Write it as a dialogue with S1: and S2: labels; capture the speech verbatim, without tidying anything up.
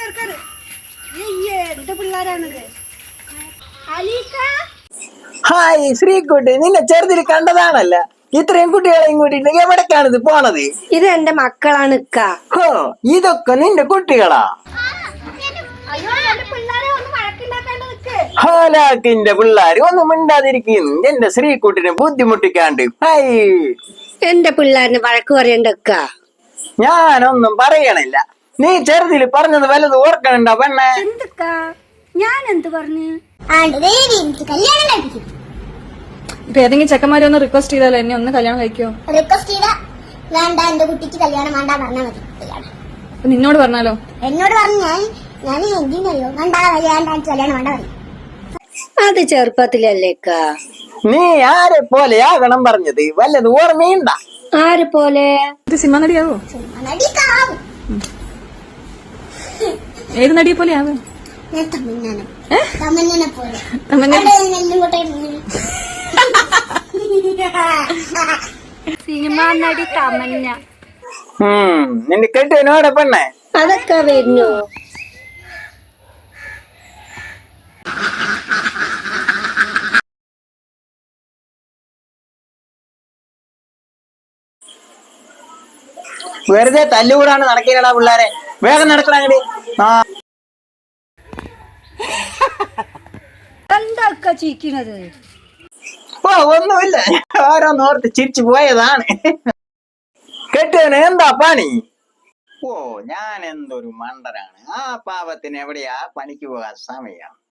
S1: Hi Sreekutty, നിന്നെ ചെറുതിൽ കണ്ടതാണല്ല. ഇത്രയും കുട്ടികളെയും കൂട്ടിട്ട് എവിടേക്കാണിത് പോണത്?
S2: ഇത് എന്റെ മക്കളാണ്.
S1: ഹോ, ഇതൊക്കെ നിന്റെ കുട്ടികളാ? ഹാലാക്കിന്റെ പിള്ളേര് ഒന്നും മിണ്ടാതിരിക്കുന്നു. എന്റെ ശ്രീകുട്ടിനെ ബുദ്ധിമുട്ടിക്കാണ്ട്. ഹായ്,
S2: എന്റെ പിള്ളേരിന് വഴക്ക് പറയണ്ടക്ക.
S1: ഞാനൊന്നും പറയണില്ല. നീ ചെറുതിൽ പറഞ്ഞത് വല്ലത് ഓർക്കണുണ്ടോ പെണ്ണെ?
S2: എന്തൊക്കാ ഞാൻ എന്ത് പറഞ്ഞു?
S3: ഇപ്പൊ ഏതെങ്കിലും ചെക്കന്മാരെ ഒന്ന് റിക്വസ്റ്റ് ചെയ്താലോ എന്നെ ഒന്ന് കല്യാണം കഴിക്കോ?
S4: റിക്വസ്റ്റ് ചെയ്താ വേണ്ട, എന്റെ കുട്ടിക്ക് കല്യാണം വേണ്ട പറഞ്ഞാൽ മതി.
S3: അപ്പൊ നിന്നോട് പറഞ്ഞാലോ?
S4: എന്നോട് പറഞ്ഞു ഞാൻ ഞാൻ എന്തിനറിയോ വേണ്ട കല്യാണം കല്യാണം വേണ്ട പറയും.
S2: അത് ചെറുപ്പത്തിലല്ലേക്കാ.
S1: നീ ആരെ പോലെയാകണം പറഞ്ഞത് വല്ലത് ഓർമ്മയുണ്ട?
S2: ആരെ പോലെ?
S3: ഇത് സിനിമ നടിയാവോ?
S4: നടിക്കാവും.
S3: ഏത് നടിയെ പോലെ ആവും?
S4: ഞാൻ തമിഴ്നാട് തമിഴ്നാനെ പോലെ
S2: സിനിമ നടി തമന്ന.
S1: ഉം നിന്റെ കെട്ടിനോടെ പെണ്ണെ?
S2: അതൊക്കെ വരുന്നു.
S1: വെറുതെ തല്ലുകൂടാണ് നടക്കില്ലടാ പിള്ളേരെ. വേഗം നടക്കണേ. ആ
S2: എന്താ ചിരിക്കുന്നത്?
S1: ഓ ഒന്നുമില്ല, ഓരോന്നോർത്ത് ചിരിച്ചു പോയതാണ്. കെട്ടിയവന് എന്താ പണി? ഓ ഞാൻ എന്തൊരു മണ്ടനാണ്. ആ പാവത്തിന് എവിടെയാ പണിക്ക് പോകാൻ സമയം?